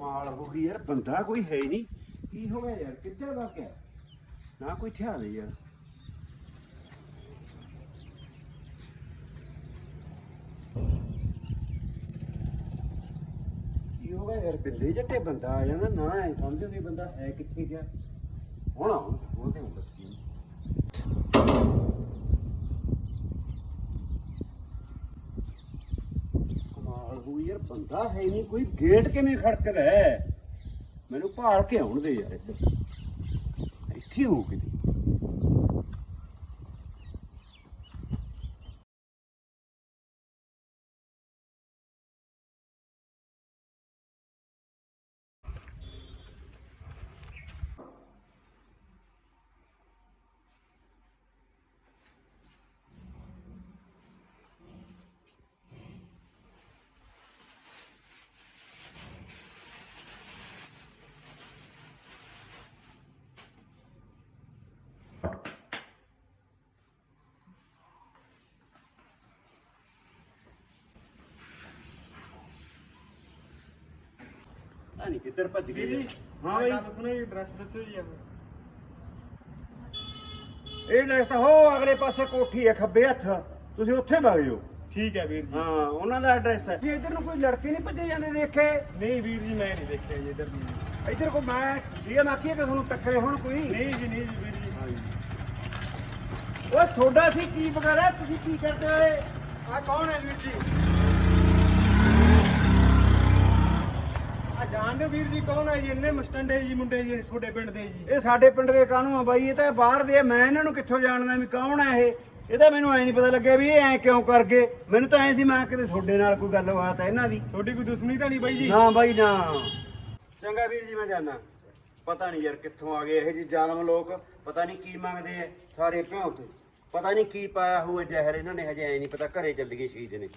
कमाल हो गई यार, बंदा कोई है ही नहीं। की हो गया यार, किधर भाग गया? ना कोई ध्यान नहीं यार। की हो गया यार, बिंदे जट्टे बंदा आ जाता ना, ऐ समझो भी बंदा है कितने गया। ਹੁਣ ਉਹਦੇ ਨੂੰ ਦੱਸੀ ਕਮਾਲ ਹੋਈ ਯਾਰ, ਬੰਦਾ ਹੈ ਨਹੀਂ ਕੋਈ, ਗੇਟ ਕਿਵੇਂ ਖੜਕਦਾ ਹੈ? ਮੈਨੂੰ ਭਾਲ ਕੇ ਆਉਣ ਦੇ ਯਾਰ, ਇੱਥੇ ਹੋ ਕਿਤੇ। नहीं किधर भज गई? हाँ भाई सुनो ये ड्रेस दसो जी। ਇਹ ਲੈਸ ਤਾਂ ਹੋ ਅਗਲੇ ਪਾਸੇ ਕੋਠੀ ਹੈ ਖੱਬੇ ਹੱਥ, ਤੁਸੀਂ ਉੱਥੇ ਵਗ ਜਾਓ। ਠੀਕ ਹੈ ਵੀਰ ਜੀ। ਹਾਂ ਉਹਨਾਂ ਦਾ ਐਡਰੈਸ ਹੈ। ਜੀ ਇੱਧਰ ਨੂੰ ਕੋਈ ਲੜਕੇ ਨਹੀਂ ਭੱਜੇ ਜਾਂਦੇ ਦੇਖੇ? ਨਹੀਂ ਵੀਰ ਜੀ ਮੈਂ ਨਹੀਂ ਦੇਖਿਆ ਜੀ ਇੱਧਰ ਵੀ। ਇੱਧਰ ਕੋ ਮੈਂ ਇਹ ਆਖੀਏ ਕਿ ਤੁਹਾਨੂੰ ਟੱਕਰੇ ਹੁਣ ਕੋਈ? ਨਹੀਂ ਜੀ ਨਹੀਂ ਜੀ ਵੀਰ ਜੀ। ਉਹ ਤੁਹਾਡਾ ਸੀ ਕੀ ਵਗੈਰਾ, ਤੁਸੀਂ ਕੀ ਕਰਦੇ ਹੋਏ? ਆ ਕੌਣ ਹੈ ਵੀਰ ਜੀ? ਜਾਣਦੇ ਵੀਰ ਜੀ ਕੌਣ ਹੈ ਜੀ? ਇੰਨੇ ਮਸਟੰਡੇ ਜੀ ਮੁੰਡੇ ਜੀ ਤੁਹਾਡੇ ਪਿੰਡ ਦੇ ਜੀ। ਇਹ ਸਾਡੇ ਪਿੰਡ ਦੇ ਕਾਹਨੂੰ ਆ ਬਾਈ, ਇਹ ਤਾਂ ਬਾਹਰ ਦੇ ਆ। ਮੈਂ ਇਹਨਾਂ ਨੂੰ ਕਿੱਥੋਂ ਜਾਣਦਾ ਵੀ ਕੌਣ ਹੈ ਇਹ? ਇਹਦਾ ਮੈਨੂੰ ਐ ਨਹੀਂ ਪਤਾ ਲੱਗਿਆ ਵੀ ਇਹ ਐ ਕਿਉਂ ਕਰ ਗਏ। ਮੈਨੂੰ ਤਾਂ ਐ ਸੀ ਮੈਂ ਕਿਤੇ ਤੁਹਾਡੇ ਨਾਲ ਕੋਈ ਗੱਲਬਾਤ ਹੈ ਇਹਨਾਂ ਦੀ। ਤੁਹਾਡੀ ਕੋਈ ਦੁਸ਼ਮਣੀ ਤਾਂ ਨਹੀਂ ਬਾਈ ਜੀ? ਨਾ ਬਾਈ ਨਾ। ਚੰਗਾ ਵੀਰ ਜੀ ਮੈਂ ਜਾਣਾ। ਪਤਾ ਨਹੀਂ ਯਾਰ ਕਿੱਥੋਂ ਆ ਗਏ ਇਹ ਜੀ ਜ਼ਾਲਮ ਲੋਕ, ਪਤਾ ਨਹੀਂ ਕੀ ਮੰਗਦੇ ਐ ਸਾਰੇ ਭਿਉਂ ਤੇ। ਪਤਾ ਨਹੀਂ ਕੀ ਪਾਇਆ ਹੋਇਆ ਜ਼ਹਿਰ ਇਹਨਾਂ ਨੇ, ਹਜੇ ਐ ਨਹੀਂ ਪਤਾ। ਘਰੇ ਚੱਲ ਗਏ ਸ਼ਹੀਦ ਨੇ।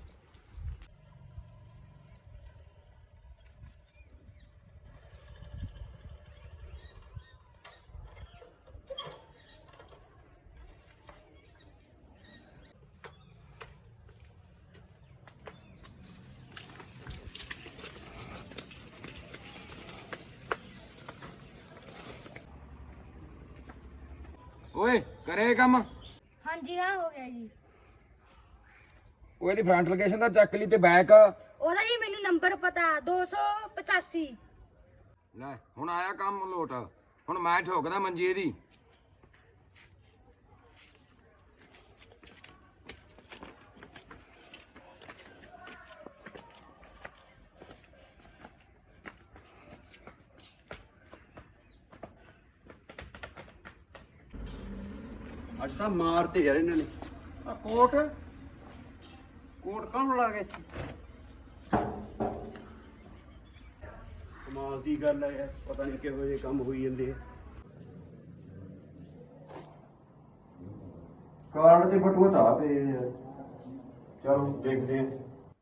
ਓਏ ਕਰੇ ਕੰਮ? ਹਾਂਜੀ ਹਾਂ ਹੋ ਗਿਆ ਜੀ। ਉਹ ਇਹਦੀ ਫਰੰਟ ਲੋਕੇਸ਼ਨ ਦਾ ਚੱਕ ਲਈ ਤੇ ਬੈਕ। ਉਹਦਾ ਜੀ ਮੈਨੂੰ ਨੰਬਰ ਪਤਾ 285। ਲੈ ਹੁਣ ਆਇਆ ਕੰਮ ਲੋਟ। ਹੁਣ ਮੈਂ ਠੋਕਦਾ ਮੰਜੀ ਇਹਦੀ। ਅੱਜ ਤਾਂ ਮਾਰਤੇ ਯਾਰ ਇਹਨਾਂ ਨੇ। ਆ ਕੋਟ ਕੌਣ ਲਾ ਗਏ? ਕਮਾਲ ਦੀ ਗੱਲ ਹੈ ਯਾਰ, ਪਤਾ ਨਹੀਂ ਕਿਹੋ ਜਿਹੇ ਕੰਮ ਹੋਈ ਜਾਂਦੇ ਆ। ਕਾਰਡ ਤੇ ਬਟੂਆ ਤਾਂ ਆ ਪਏ ਨੇ। ਚਲੋ ਦੇਖਦੇ ਆ।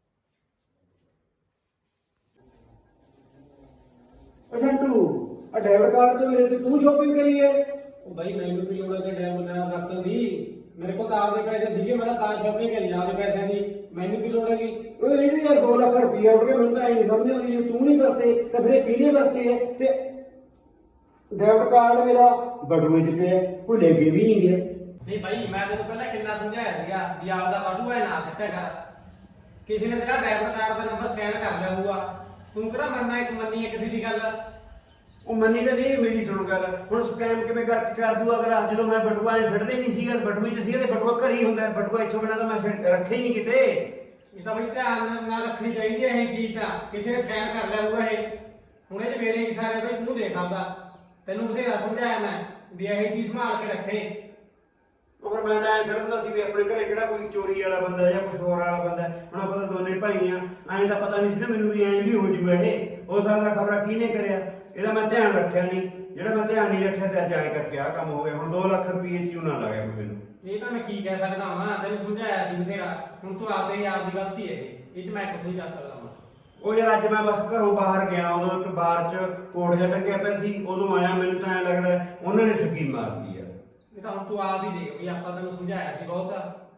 ਸੰਟੂ ਆ ਡੈਬਿਟ ਕਾਰਡ ਤੇ ਮੇਰੇ ਤੇ ਤੂੰ ਸ਼ੋਪਿੰਗ ਕਰੀ ਹੈ? ਉਹ ਬਾਈ ਮੈਨੂੰ ਕੀ ਲੋੜ ਹੈ ਕਿ ਡੈਮ ਨਾ ਵਰਤਣ ਦੀ? ਮੇਰੇ ਕੋਲ ਤਾਂ ਆਪਦੇ ਪੈਸੇ ਸੀਗੇ, ਮੈਂ ਤਾਂ ਸ਼ਾਪਿੰਗ ਕਰੀ ਆਪਦੇ ਪੈਸਿਆਂ ਦੀ। ਮੈਨੂੰ ਕੀ ਲੋੜ ਹੈਗੀ? ਓਏ ਇਹ ਵੀ ਯਾਰ 2 ਲੱਖ ਰੁਪਈਆ ਉੱਡ ਕੇ ਮੈਨੂੰ ਤਾਂ ਐ ਨਹੀਂ ਸਮਝ ਆਉਂਦੀ, ਜੇ ਤੂੰ ਨਹੀਂ ਵਰਤੇ ਤਾਂ ਫਿਰ ਇਹ ਕਿਹਨੇ ਵਰਤੇ ਹੈ? ਤੇ ਡੈਬਿਟ ਕਾਰਡ ਮੇਰਾ ਬਟੂਏ 'ਚ ਪਿਆ, ਕੋਈ ਲੈ ਕੇ ਵੀ ਨਹੀਂ ਗਿਆ। ਨਹੀਂ ਬਾਈ ਮੈਂ ਤੈਨੂੰ ਪਹਿਲਾਂ ਕਿੰਨਾ ਸਮਝਾਇਆ ਸੀਗਾ ਵੀ ਆਪਦਾ ਬਟੂਆ ਨਾ ਸਿੱਟਿਆ ਕਰ। ਕਿਸੇ ਨੇ ਤੇਰਾ ਡੈਬਿਟ ਕਾਰਡ ਦਾ ਨੰਬਰ ਸਕੈਨ ਕਰ ਲਿਆ ਹੋਊਗਾ, ਤੂੰ ਕਿਹੜਾ ਮੰਨੀ ਹੈ ਕਿਸੇ ਦੀ ਗੱਲ? ਉਹ ਮੰਨੀ ਤਾਂ ਨਹੀਂ ਮੇਰੀ, ਸੁਣ ਗੱਲ। ਹੁਣ ਸਕੈਮ ਕਿਵੇਂ ਕਰ ਦੂ ਅਗਲਾ, ਜਦੋਂ ਮੈਂ ਬਟੂਆ ਛੱਡਦੇ ਨਹੀਂ ਸੀਗਾ, ਬਟੂਏ 'ਚ ਸੀਗਾ ਤੇ ਬਟੂਆ ਘਰ ਹੀ ਹੁੰਦਾ। ਬਟੂਆ ਇੱਥੋਂ ਬਿਨਾਂ ਤਾਂ ਮੈਂ ਰੱਖਿਆ ਹੀ ਨਹੀਂ ਕਿਤੇ। ਇਹ ਤਾਂ ਬਈ ਧਿਆਨ ਨਾਲ ਰੱਖਣੀ ਚਾਹੀਦੀ ਹੈ ਇਹ ਚੀਜ਼ ਤਾਂ। ਕਿਸੇ ਨੇ ਸਕੈਨ ਕਰ ਲਿਆ ਹੋਊਗਾ ਇਹ। ਹੁਣ ਇਹ 'ਚ ਮੇਰੇ ਕੀ ਸਾਰੇ ਬਈ ਤੂੰ ਦੇਖ ਆਉਂਦਾ। ਤੈਨੂੰ ਬਥੇਰਾ ਸਮਝਾਇਆ ਮੈਂ ਵੀ ਇਹ ਚੀਜ਼ ਸੰਭਾਲ ਕੇ ਰੱਖੇ। ਉਹ ਫਿਰ ਮੈਂ ਤਾਂ ਐ ਛੱਡਦਾ ਸੀ ਵੀ ਆਪਣੇ ਘਰੇ ਕਿਹੜਾ ਕੋਈ ਚੋਰੀ ਵਾਲਾ ਬੰਦਾ ਜਾਂ ਕੁਛ ਹੋਰ ਵਾਲਾ ਬੰਦਾ। ਹੁਣ ਆਪਾਂ ਤਾਂ ਦੋਨੇ ਭਾਈ ਆ, ਐਂ ਤਾਂ ਪਤਾ ਨਹੀਂ ਸੀ ਨਾ ਮੈਨੂੰ ਵੀ ਐਂ ਵੀ ਹੋ ਜੂਗਾ ਇਹ। ਹੋ ਸਕਦਾ ਖਬਰਾਂ ਕਿਹਨੇ ਕਰਿਆ, ਇਹਦਾ ਮੈਂ ਧਿਆਨ ਰੱਖਿਆ ਨਹੀਂ। ਜਿਹੜਾ ਮੈਂ ਧਿਆਨ ਨਹੀਂ ਰੱਖਿਆ ਤੇ ਅੱਜ ਐਂ ਕਰਕੇ ਆਹ ਕੰਮ ਹੋ ਗਿਆ। ਹੁਣ 2 ਲੱਖ ਰੁਪਏ 'ਚ ਚੂਨਾ ਲੱਗ ਗਿਆ ਮੈਨੂੰ। ਇਹ ਤਾਂ ਮੈਂ ਕੀ ਕਹਿ ਸਕਦਾ ਹਾਂ, ਤੈਨੂੰ ਸਮਝਾਇਆ ਸੀ ਬਥੇਰਾ। ਹੁਣ ਤੂੰ ਆਪਦੀ ਗਲਤੀ ਹੈ ਇਹ 'ਚ ਮੈਂ ਕੁਝ ਨਹੀਂ ਕਰ ਸਕਦਾ ਹਾਂ। ਉਹ ਯਾਰ ਅੱਜ ਮੈਂ ਬਸ ਘਰੋਂ ਬਾਹਰ ਗਿਆ, ਉਦੋਂ ਇੱਕ ਬਾਰ 'ਚ ਕੋਟ ਜਿਹਾ ਟੰਗਿਆ ਪਿਆ ਸੀ, ਉਦੋਂ ਆਇਆ। ਮੈਨੂੰ ਤਾਂ ਐਂ ਲੱਗਦਾ ਉਹਨਾਂ ਨੇ ਠੱਗੀ ਮਾਰਦੀ ਆ। ਇਹ ਤਾਂ ਹੁਣ ਤੂੰ ਆਪ ਹੀ ਦੇਖ ਵੀ ਆਪਾਂ ਤੈਨੂੰ ਸਮਝਾਇਆ ਸੀ ਬਹੁਤ।